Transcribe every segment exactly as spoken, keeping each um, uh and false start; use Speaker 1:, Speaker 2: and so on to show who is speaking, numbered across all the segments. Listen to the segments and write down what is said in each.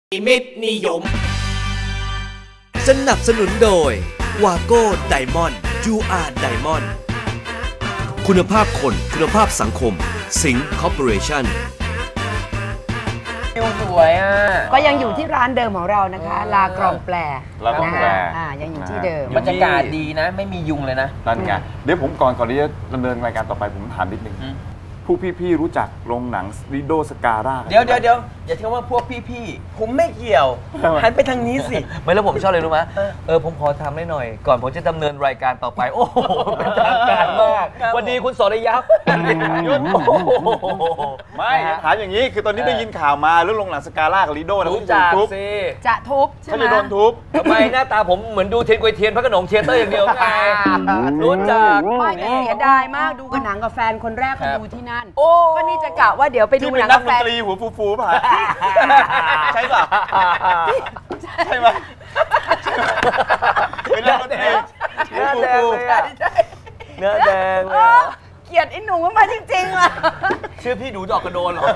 Speaker 1: มิตรนิยม
Speaker 2: สนับสนุนโดยวาโก้ไดมอนด์ยูอาร์ไดมอนด์คุณภาพคนคุณภาพสังคมสิงห์คอร์ปอเรชั่น
Speaker 3: สวยอ่ะ
Speaker 4: ก็ยังอยู่ที่ร้านเดิมของเรานะคะลากรองแปล
Speaker 5: ลากรองแปล
Speaker 4: อ่ายังอยู่ที่เดิม
Speaker 3: บรรยากาศดีนะไม่มียุงเลยนะ
Speaker 5: นั่นไงเดี๋ยวผมก่อนก่อนที่จะดำเนินรายการต่อไปผมถามนิดนึงผู้พี่ๆรู้จักโรงหนังลิโดสการ่า
Speaker 3: เดี๋ยวเดี๋ยวเดี๋ยวอย่าเชื่อว่าพวกพี่ๆผมไม่เกี่ยวหันไปทางนี้สิ
Speaker 1: ไม่แล้วผมชอบเลยรู้ไหมเออผมขอทำได้หน่อยก่อนผมจะดำเนินรายการต่อไปโอ้โหเป็นทางการมากวันดีคุณสรยับยุด
Speaker 5: ไม่ถามอย่างนี้คือตอนนี้ได้ยินข่าวมาเรื่องโรงหนังสการ่ากับลิโดนะ
Speaker 1: รู้จักสิ
Speaker 4: จะทุบใช่ไหม
Speaker 5: เขาจะโดนทุบ
Speaker 1: ทำไมหน้าตาผมเหมือนดูเทียนกวยเทียนพระขนงเทียเตอร์อย่างเดียวไงรู้จัก
Speaker 4: ไม่เสียดายมากดูกันหนังกับแฟนคนแรกเขาดูที่นั่นก็นี่จะกะว่าเดี๋ยวไปดูหนังกับแฟน
Speaker 5: ที่เป็นนักดนตรีหัวฟูๆป่ะใช่ป่ะใช่ไหมเป็นนักดนตรี
Speaker 1: เนื้อแดงเลยอะเนื้อแดงเลย
Speaker 4: เกลียดไอ้หนุ่มมาจริงๆอ่ะ
Speaker 1: ชื่อพี่ดูดอกกระโดนเหรอ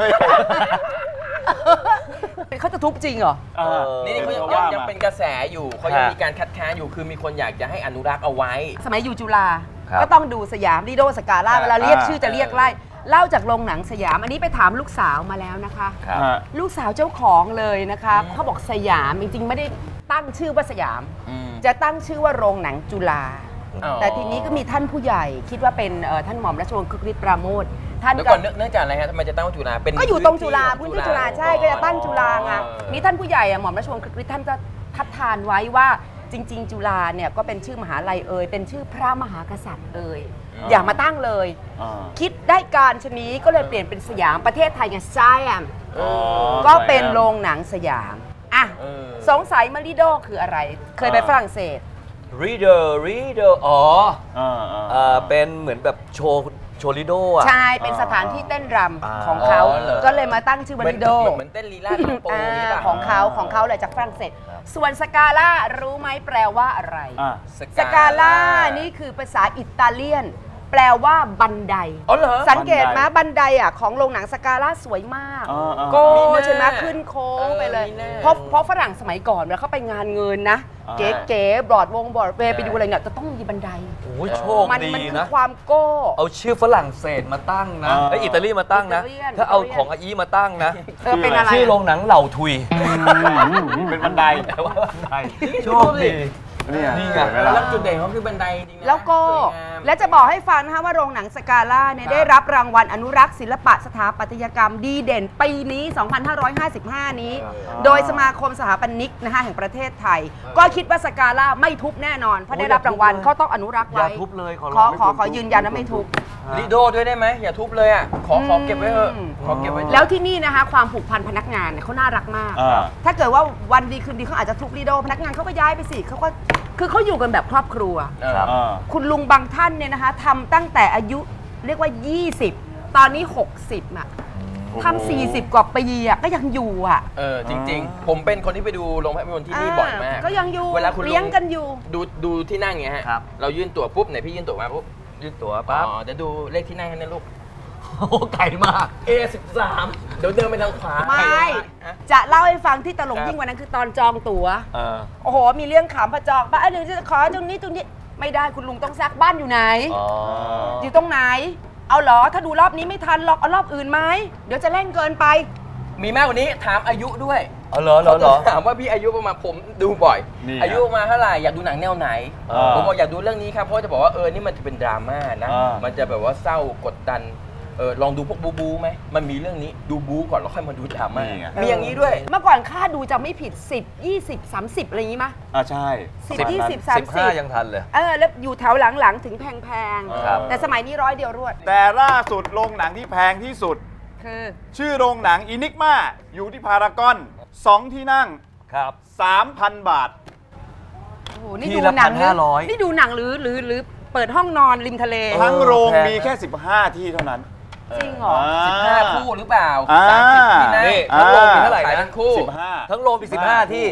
Speaker 4: เขาจะทุบจริงเหรอ
Speaker 3: นี่นี่เขายังยังเป็นกระแสอยู่เขายังมีการคัดค้านอยู่คือมีคนอยากจะให้อนุรักษ์เอาไว้
Speaker 4: สมัยอยู่จุฬาก็ต้องดูสยามลิโดสการ่าเวลาเรียกชื่อจะเรียกไล่เล่าจากโรงหนังสยามอันนี้ไปถามลูกสาวมาแล้วนะคะลูกสาวเจ้าของเลยนะคะเขาบอกสยามจริงๆไม่ได้ตั้งชื่อว่าสยามจะตั้งชื่อว่าโรงหนังจุฬาแต่ทีนี้ก็มีท่านผู้ใหญ่คิดว่าเป็นท่านหม่อมราชวงศ์คึกฤทธิ์ปราโมทย์
Speaker 3: ท่านก่อนเนื่องจากอะไรฮะทำไมจะตั้งจุฬาเป็น
Speaker 4: ก็อยู่ตรงจุฬาพื้นที่จุฬาใช่ก็จะตั้งจุฬาไงนี่ท่านผู้ใหญ่หม่อมราชวงศ์คึกฤทธิ์ท่านจะทัดทานไว้ว่าจริงๆจุฬาเนี่ยก็เป็นชื่อมหาลัยเอ่ยเป็นชื่อพระมหากษัตริย์เอ่ยอย่ามาตั้งเลยคิดได้การชนี้ก็เลยเปลี่ยนเป็นสยามประเทศไทยไงไซแอมก็เป็นโรงหนังสยามอ่ะสงสัยมาริโดคืออะไรเคยไปฝรั่งเศส
Speaker 1: reader reader อ๋อเป็นเหมือนแบบโชว์โชว์ลิโดอ่ะ
Speaker 4: ใช่เป็นสถานที่เต้นรำของเขาก็เลยมาตั้งชื่อมาริโด
Speaker 3: เหมือนเต้นลีลา
Speaker 4: ของเขาของเขาเลยจากฝรั่งเศสส่วนสกาล่ารู้ไหมแปลว่าอะไรสกาล่านี่คือภาษาอิตาเลียนแปลว่าบันไดสังเกตไหมบันไดอ่ะของโรงหนังสกาล่าสวยมากโก้ใช่ไหมขึ้นโค้งไปเลยเพราะเพราะฝรั่งสมัยก่อนเวลาเขาไปงานเงินนะเก๋ๆบรอดวงบรอดเวย์ไปดูอะไรเนี่ยจะต้องมีบันได
Speaker 1: โอ้ยโชคดีนะมัน
Speaker 4: คือความโก้
Speaker 1: เอาชื่อฝรั่งเศสมาตั้งนะไออิตาลีมาตั้งนะถ้าเอาของอาอีมาตั้งนะ
Speaker 4: เป็นอะไร
Speaker 1: ชื่อโรงหนังเหล่าทุย
Speaker 5: เป็นบันได
Speaker 1: แต่ว่าบันไดโชคดี
Speaker 3: นี่ไงแล้วจุดเด่นเขาคือบันไดจริงๆ
Speaker 4: แล้วก็และจะบอกให้ฟังนะคะว่าโรงหนังสกาล่าเนี่ยได้รับรางวัลอนุรักษ์ศิลปะสถาปัตยกรรมดีเด่นปีนี้ สองพันห้าร้อยห้าสิบห้า นี้โดยสมาคมสถาปนิกนะคะแห่งประเทศไทยก็คิดว่าสกาล่าไม่ทุบแน่นอนเพราะได้รับรางวัลเขาต้องอนุรักษ์ไว้
Speaker 1: อย่าทุบเลย
Speaker 4: ขอขอขอยืนยันว่าไม่ทุบ
Speaker 3: ลิโดด้วยได้ไหมอย่าทุบเลยอ่ะขอขอเก็บไว้เถอะขอเก็บไว้
Speaker 4: แล้วที่นี่นะคะความผูกพันพนักงานเนี่ยเขาน่ารักมากถ้าเกิดว่าวันดีคืนดีเขาอาจจะทุบลิโดพนักงานเขาก็ย้ายไปสิเขาก็คือเขาอยู่กันแบบครอบครัวคุณลุงบางท่านเนี่ยนะคะทำตั้งแต่อายุเรียกว่ายี่สิบตอนนี้หกสิบอ่ะทำสี่สิบกว่าปีอ่ะก็ยังอยู่อ่ะ
Speaker 3: เออจริงๆผมเป็นคนที่ไปดูโรงภาพยนตร์ที่นี่บ่อยมาก
Speaker 4: ก็ยังอยู่
Speaker 3: เวลาคุณ
Speaker 4: เลี้ยงกันอยู่
Speaker 3: ดูดูที่นั่งเงี้ยฮะเรายื่นตั๋วปุ๊บไหนพี่ยื่นตั๋วมาปุ๊บ
Speaker 1: ยื่นตั๋วปั๊บ
Speaker 3: อ๋อเดี๋ยวดูเลขที่นั่งให้นะลูก
Speaker 1: โอ้ไกลมาก
Speaker 3: เอ สิบสาม เดี๋ยวเดินไปทางขวา
Speaker 4: ไม่จะเล่าให้ฟังที่ตลกยิ่งกว่านั้นคือตอนจองตั๋วโอ้โหมีเรื่องขำพอจองบ้านหนึ่งจะขอตรงนี้ตรงนี้ไม่ได้คุณลุงต้องซักบ้านอยู่ไหนอยู่ตรงไหนเอาเหรอถ้าดูรอบนี้ไม่ทันหรอกเอารอบอื่นไหมเดี๋ยวจะเร่งเกินไป
Speaker 3: มีมากกว่านี้ถามอายุด้วย
Speaker 1: อ๋อเหรอเหรอ
Speaker 3: ถามว่าพี่อายุประมาณผมดูบ่อยอายุประมาณเท่าไหร่อยากดูหนังแนวไหนผมบอกอยากดูเรื่องนี้ครับเพราะจะบอกว่าเออนี่มันจะเป็นดราม่านะมันจะแบบว่าเศร้ากดดันเออลองดูพวกบูบูไหมมันมีเรื่องนี้ดูบูก่อนแล้วค่อยมาดูดราม่ามีอย่างนี้ด้วย
Speaker 4: เมื่อก่อนค่าดูจะไม่ผิดสิบ ยี่สิบ สามสิบอะไรอย่างนี้มั้ย
Speaker 5: อ่าใช่
Speaker 4: สิบ ยี่สิบ สามสิบ
Speaker 1: สิบห้ายังทันเลย
Speaker 4: เออแล้วอยู่แถวหลังๆถึงแพงๆแต่สมัยนี้ร้อยเดียวรวด
Speaker 5: แต่ล่าสุดโรงหนังที่แพงที่สุด
Speaker 4: คือ
Speaker 5: ชื่อโรงหนังอินิกมาอยู่ที่พารากอนสองที่นั่ง
Speaker 1: ครับ
Speaker 5: สามพัน บาท
Speaker 4: โอ้โหนี่ดูหนังนี่ดูหนังหรือหรือหรือเปิดห้องนอนริมทะเล
Speaker 5: ทั้งโรงมีแค่สิบห้าที่เท่านั้น
Speaker 4: จริงเหรอ
Speaker 3: สิบห้าคู่หรือเปล่า
Speaker 1: สามสิบที่นั่ง
Speaker 3: นี่
Speaker 1: ทั้งโรงมีเท่าไหร่นะ
Speaker 3: ทั้งคู่
Speaker 1: สิบห้าทั้งโรงมีสิบห้าที่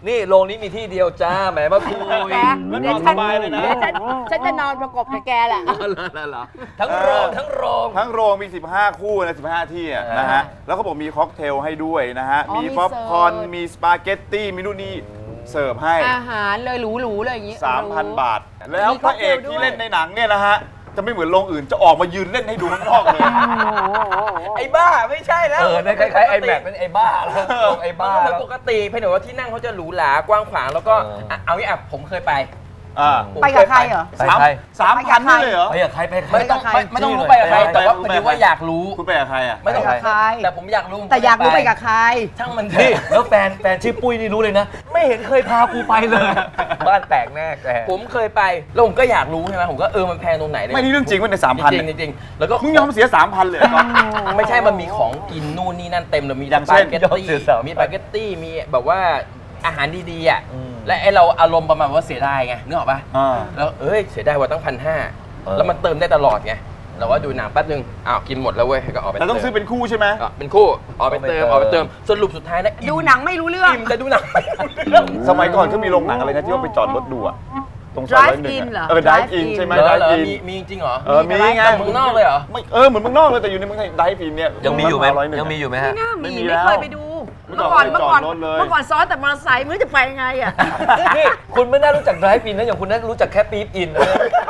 Speaker 1: นี่โรงนี้มีที่เดียวจ้าแหมมาคุย
Speaker 4: แก
Speaker 1: แล้วน
Speaker 4: เดี๋ย
Speaker 1: อ
Speaker 4: วน ฉั
Speaker 1: ส
Speaker 4: น
Speaker 1: บายเลยนะ
Speaker 4: เดี๋ยวฉันฉันจะนอนประกบกับแกแหละ
Speaker 1: ทั้งโรงทั้งโรง
Speaker 5: ทั้งโรงมี สิบห้า คู่นะ สิบห้า ที่อะนะฮะ แล้วเขาบอกมีค็อกเทลให้ด้วยนะฮะ
Speaker 4: อ๋อ
Speaker 5: มี
Speaker 4: มี
Speaker 5: ป๊อปคอร์น
Speaker 4: เสิร์ฟ
Speaker 5: มีสปาเกตตี้ มีนู่นนี่เสิร์ฟให้
Speaker 4: อาหารเลยหรูๆเลยอย่างนี้
Speaker 5: สามพัน บาท แล้ว
Speaker 4: มี
Speaker 5: พระเอก
Speaker 4: ค็อกเทลด้วย
Speaker 5: ที่เล่นในหนังเนี่ยนะฮะ จะไม่เหมือนโรงอื่นจะออกมายืนเล่นให้ดูข้างนอกเลย
Speaker 3: ไอ้บ้าไม่ใช่แล้ว
Speaker 1: เออนั่นคล้ายๆไอแม็กเป็นไอ้บ้าแล้วไอ้บ้า
Speaker 3: มัน
Speaker 1: แล้ว
Speaker 3: ปกติเพียงแต่ว่าที่นั่งเขาจะหรูหรากว้างขวางแล้วก็
Speaker 1: เอออ่
Speaker 3: อ่ะเอางี้อ่ะผมเคยไป
Speaker 5: อ่า
Speaker 3: ผม
Speaker 4: ไป
Speaker 3: เค
Speaker 4: กับ
Speaker 3: ย
Speaker 4: ใครเหรอ
Speaker 1: ไป
Speaker 5: สาม
Speaker 1: ใคร
Speaker 5: สามพันนี่เลยเหรอ
Speaker 1: ไปกับใครไปใคร
Speaker 3: ไม่ต้อง
Speaker 4: ไปกับใคร
Speaker 3: ไม่ไม่ต้องรู้ไปกับใคร แต่ว่าพอดีว่าอยากรู้
Speaker 5: คุณไปกับใครอ่ะ
Speaker 3: ไม่ต้อง
Speaker 4: ไปกับใคร
Speaker 3: แต่ผมอยากรู้
Speaker 4: แต่อยากรู้ไปกับใคร
Speaker 3: ช่างมันเถ
Speaker 1: นี่
Speaker 3: อะ
Speaker 1: แล้วแฟนแฟนชื่อปุ้ยนี่รู้เลยนะ ไม่เห็นเคยพากูไปเลย บ้านแตกแน่แก
Speaker 3: ผมเคยไปแล้วผมก็อยากรู้ใช่ไหมผมก็เออมันแพงตรงไหน
Speaker 5: ไม่นี่เรื่องจริงว่าในสามพัน
Speaker 3: จริงๆจริงๆแล้วก็
Speaker 5: มึงยอมเสียสามพันเลยเหรอ
Speaker 3: ไม่ใช่มันมีของกินนู่นนี่นั่นเต็มเลยมี
Speaker 5: อย่าง
Speaker 3: สปา
Speaker 5: เช่น
Speaker 3: เกต
Speaker 1: ยอม
Speaker 3: ตี้
Speaker 1: เสียสามพัน
Speaker 3: มีสปาเกตตี้มีแบบว่าอาหารดีๆอ่ะ
Speaker 1: อืม
Speaker 3: และไอเราอารมณ์ประมาณว่าเสียดายไงนึกออกปะ
Speaker 5: อ่า
Speaker 3: แล้วเอ้ยเสียดายว่าตั้งพันห้า
Speaker 1: เออ
Speaker 3: แล้วมันเติมได้ตลอดไงเราว่าดูหนังแป๊บนึงอ้าวกินหมดแล้วเว้ยก็ออกไป
Speaker 5: แต่ต้องซื้อเป็นคู่ใช่ไหม
Speaker 3: อ่ะเป็นคู่ออกไปเติมออกไปเติมสรุปสุดท้ายนะอิ่ม
Speaker 4: ดูหนังไม่รู้เรื่อง
Speaker 3: อิ่มแต่ดูหนังไม่รู้เรื่อง
Speaker 5: สมัยก่อนเขามีโรงหนังอะไรนะที่ว่าไปจอดรถดูอะตรงซอย
Speaker 4: Drive
Speaker 5: ร้อยหนึ่ง
Speaker 4: in เหรอ
Speaker 5: อะเออ drive
Speaker 4: Drive
Speaker 5: in
Speaker 4: in
Speaker 5: ใช่ไหม
Speaker 3: เหรอ
Speaker 5: drive
Speaker 3: เหรอ
Speaker 5: in
Speaker 3: มีมีจริงเหรอ
Speaker 5: เออมีไง
Speaker 3: แต่เมืองนอกเลยเหรอ
Speaker 5: ไม่เออเหมือนเมืองนอกเลยแต่อยู่ในเมืองไทย drive in เนี่ย
Speaker 1: ยังมีอยู่ไหม
Speaker 5: ร้อยหนึ่
Speaker 1: ยังมีอยู่ไหมฮะ
Speaker 4: ไม่น่ามี
Speaker 5: ไม่มี
Speaker 4: ไม่
Speaker 5: แล้ว
Speaker 4: เคยไปดู
Speaker 5: เมื่
Speaker 4: เมื่
Speaker 5: อ
Speaker 4: อ
Speaker 5: ก่
Speaker 4: ก่
Speaker 5: อ
Speaker 4: อน นเมื่อก่อน
Speaker 5: จอดรถเลย
Speaker 4: เมื่อก่อนซ้อนแต่มอเตอร์ไซค์ไม่รู้จะไปยังไงอ่ะ
Speaker 1: นี่คุณไม่น่ารู้จัก drive in นะอย่างคุณน่ารู้จักแค่ปี๊บอินนะ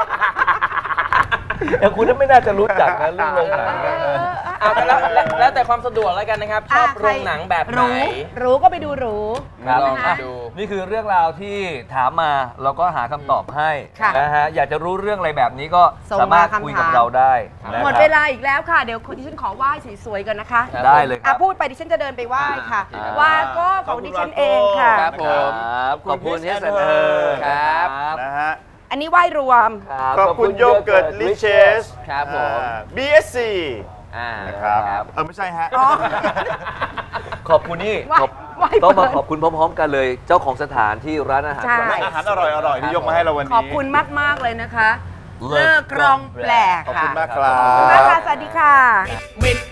Speaker 1: อย่างคุณน่าไม่น่าจะรู้จักนะเรื่องโรงหนังนะ
Speaker 3: เอาแต่แล้วแล้วแล้วแต่ความสะดวกแล้วกันนะครับ ชอบโรงหนังแบบไหน
Speaker 4: รู้รู้ก็ไปดูรู้
Speaker 1: ครับ
Speaker 3: ลอง
Speaker 4: นะคะ
Speaker 3: ดู
Speaker 1: นี่คือเรื่องราวที่ถามมาเราก็หาคำตอบให้
Speaker 4: ค่ะ
Speaker 1: นะฮะอยากจะรู้เรื่องอะไรแบบนี้ก็
Speaker 4: ส่ง
Speaker 1: สามารถ
Speaker 4: มาคำถาม
Speaker 1: คุยกับเราได้นะ
Speaker 4: หมด
Speaker 1: ครับ
Speaker 4: เวลาอีกแล้วค่ะ เดี๋ยวคุณดิฉันขอไหว้สวยๆกันนะคะ
Speaker 1: ได้เลยค
Speaker 4: อ่ะ
Speaker 1: รับ
Speaker 4: พูดไปดิฉันจะเดินไปไหว้ค่ะ
Speaker 1: อ่า
Speaker 4: ว่าก็ของดิฉันเองค่ะ
Speaker 3: ครับผม
Speaker 1: ครับขอบคุณเฮสเ
Speaker 5: เออ
Speaker 3: ครับ
Speaker 5: นะฮะ
Speaker 4: อันนี้ไหว้รวม
Speaker 1: ครับ
Speaker 5: ขอบคุณโยเกิร์ตลิเชส
Speaker 3: ครับผม
Speaker 5: บี เอส ซี
Speaker 3: อ่า
Speaker 5: นะครับเออไม่ใช่ฮะ
Speaker 4: อ๋อ
Speaker 1: ขอบคุณนี่
Speaker 4: ไหว้
Speaker 1: ขอบ
Speaker 4: ไหว้
Speaker 1: ต้องมา
Speaker 4: เปิด
Speaker 1: ขอบคุณพร้อมๆกันเลย เจ้าของสถานที่ร้านอาหาร
Speaker 4: ใช่
Speaker 5: อาหารอร่อยอร่อยๆที่ยกมาให้เราวันนี้
Speaker 4: ขอบคุณมาก ๆ เลยนะคะ
Speaker 1: เลิ
Speaker 4: เลิ
Speaker 1: ก
Speaker 4: กกรองแปลก
Speaker 5: ขอบ
Speaker 4: ค่ะ
Speaker 5: คุณมากครั
Speaker 4: ขอบคุณมาก
Speaker 5: บ
Speaker 4: ค่ะ สวัสดีค่ะ
Speaker 3: เหม็น